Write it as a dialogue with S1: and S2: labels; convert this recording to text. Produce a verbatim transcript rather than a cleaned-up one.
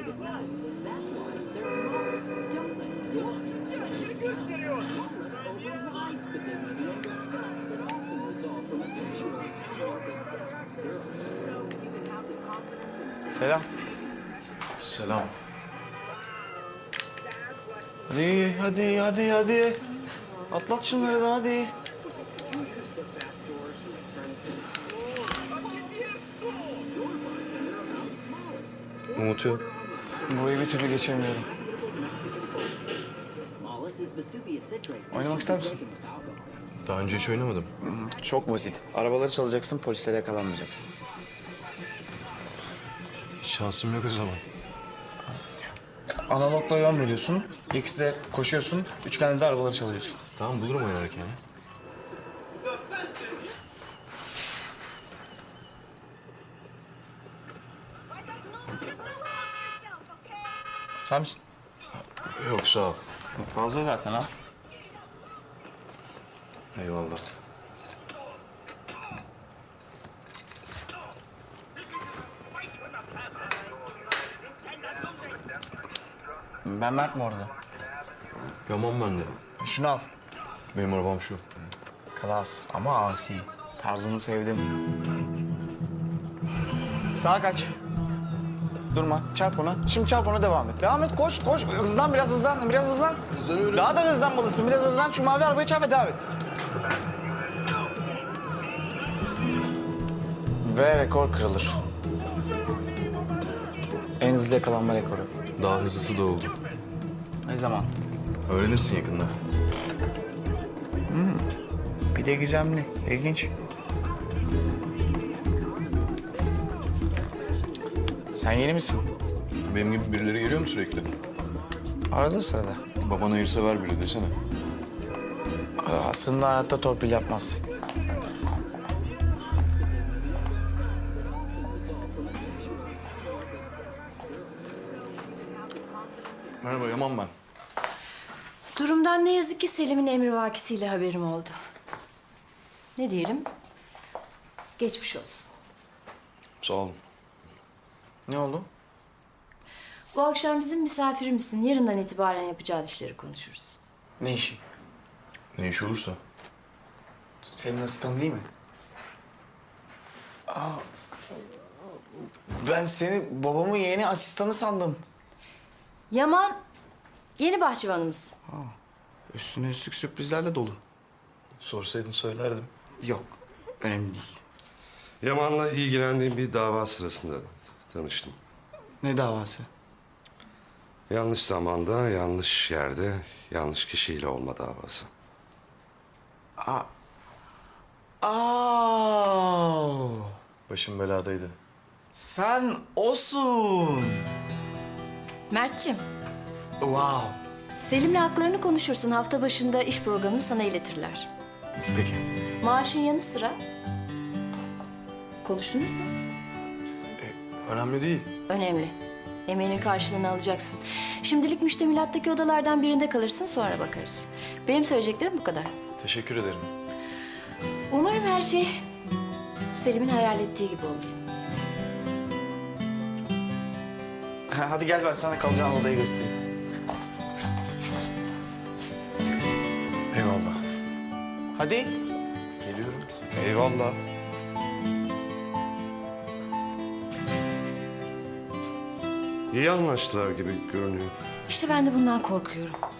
S1: at night. That's why there's Wallace. Don't let him go. Wallace overrides the dignity and disgust that often result from a situation toward a desperate girl. So you can have the confidence and stand.
S2: Selam.
S3: Selam.
S2: Hadi, hadi, hadi, hadi. Atlat şunları da hadi.
S3: Umut yok.
S2: Burayı bir türlü geçemiyorum. Oynamak ister misin?
S3: Daha önce hiç oynamadım.
S2: Çok basit. Arabaları çalacaksın, polislere yakalanmayacaksın.
S3: Şansım yok o zaman.
S2: Analogla yön veriyorsun, X'de koşuyorsun, üçgende de arabaları çalıyorsun.
S3: Tamam bulurum oynarken ya.
S2: Sen misin?
S3: Yok sağ ol.
S2: Fazla zaten ha.
S3: Eyvallah.
S2: Ben Mert mi orada?
S3: Yaman ben de.
S2: Şunu al.
S3: Benim arabam şu.
S2: Klas ama asi. Tarzını sevdim. Sağa kaç. Durma. Çarp ona. Şimdi çarp ona devam et. Devam et. Koş, koş. Hızlan biraz hızlan. Biraz hızlan.
S3: Hızlanıyorum.
S2: Daha da hızlanmalısın. Biraz hızlan. Şu mavi arabaya çarp ve devam et. Ve rekor kırılır. En hızlı yakalanma rekoru.
S3: Daha hızlısı da oldu.
S2: Ne zaman?
S3: Öğrenirsin yakında.
S2: Bir de gizemli. İlginç. Sen yeni misin?
S3: Benim gibi birileri geliyor mu sürekli?
S2: Arada sırada.
S3: Baban hayırsever biri desene.
S2: Aslında hayatta torpil yapmaz.
S3: Merhaba Yaman ben.
S4: Durumdan ne yazık ki Selim'in emrivakisiyle haberim oldu. Ne diyelim? Geçmiş olsun.
S3: Sağ olun.
S2: Ne oldu?
S4: Bu akşam bizim misafirimizsin. Yarından itibaren yapacağın işleri konuşuruz.
S2: Ne işi?
S3: Ne iş olursa.
S2: Senin asistanın değil mi? Aa, ben seni babamın yeni asistanı sandım.
S4: Yaman, yeni bahçıvanımız.
S2: Üstüne üstlük sürprizlerle dolu.
S3: Sorsaydın söylerdim.
S2: Yok, önemli değil.
S5: Yaman'la ilgilendiğim bir dava sırasında tanıştım.
S2: Ne davası?
S5: Yanlış zamanda, yanlış yerde, yanlış kişiyle olma davası.
S2: Aa.
S3: Başım beladaydı.
S2: Sen osun.
S4: Mert'ciğim,
S2: Wow.
S4: Selim'le haklarını konuşursun. Hafta başında iş programını sana iletirler.
S3: Peki.
S4: Maaşın yanı sıra... Konuştunuz mu?
S3: Önemli değil.
S4: Önemli. Emeğinin karşılığını alacaksın. Şimdilik müştemilattaki odalardan birinde kalırsın, sonra bakarız. Benim söyleyeceklerim bu kadar.
S3: Teşekkür ederim.
S4: Umarım her şey Selim'in hayal ettiği gibi olur.
S2: Hadi gel ben sana kalacağın odayı göstereyim.
S3: Eyvallah.
S2: Hadi.
S3: Geliyorum.
S2: Eyvallah.
S5: İyi anlaştılar gibi görünüyor.
S4: İşte ben de bundan korkuyorum.